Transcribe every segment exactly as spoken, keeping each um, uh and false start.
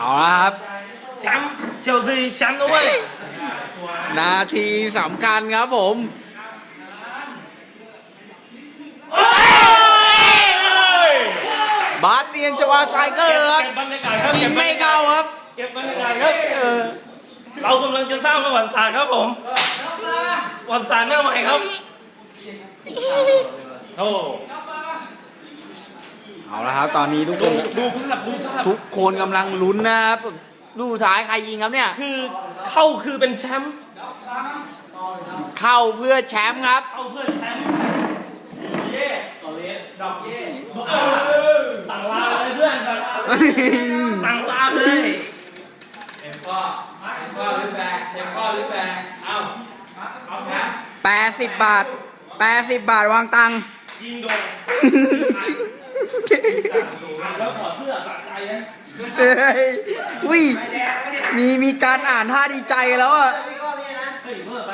เอาละครับแชมป์เชลซีแชมป์นะเว้ยนาทีสำคัญครับผมบาสเตียนชวาไซเกอร์ครับยิงไม่เข้าครับเก็บบรรยากาศครับเรากำลังจะสร้างประวัติศาสตร์ครับผมประวัติศาสตร์หน้าใหม่ครับโอ้เอาละครับตอนนี้ทุกคนดูภาพดูภาพทุกคนกำลังลุ้นนะครับลูกสุดท้ายใครยิงครับเนี่ยคือเข้าคือเป็นแชมป์เข้าเพื่อแชมป์ครับเข้าเพื่อแชมป์เย่ต่อเล่ดอกเย่สั่งลาเลยเพื่อนสั่งลาเลยเอ็มข้อเอ็มข้อหรือแบกเอ็มข้อหรือแบกเอาเอาแพ้แปดสิบบาทแปดสิบบาทวางตังค์ยิงโดนแล้วถอดเสื้อสะใจนะอุ้ยมีมีการอ่านท่าดีใจแล้วอ่ะเฮ้ยเมื่อไป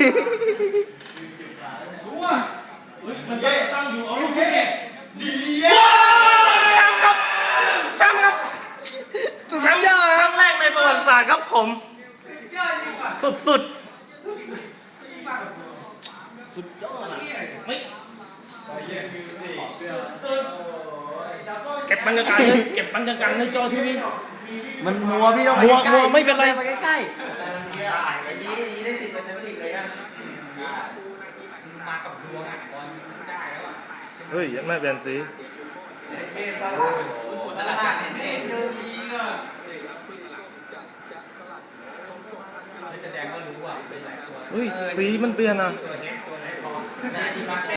รู้ว่ามันตั้งอยู่โอเคดีเย้แชมป์ครับแชมป์ครับแชมป์ครั้งแรกในประวัติศาสตร์ครับผมสุดสุดสุดยอดไม่เก็บบรรยากาศเลยเก็บบรรยากาศในจอทีวีมันมัวพี่ต้องไปใกล้ไม่เป็นไรไปใกล้ๆได้สิทธิ์มาใช้ผลิตเลยนะมากับดวงอ่ะบอลได้แล้วอ่ะเฮ้ยยังไม่เปลี่ยนสีเท่ตลาดตลาดเท่เยอะสีก็แสดงก็รู้ว่าเป็นหลายตัวเฮ้ยสีมันเปลี่ยนอ่ะ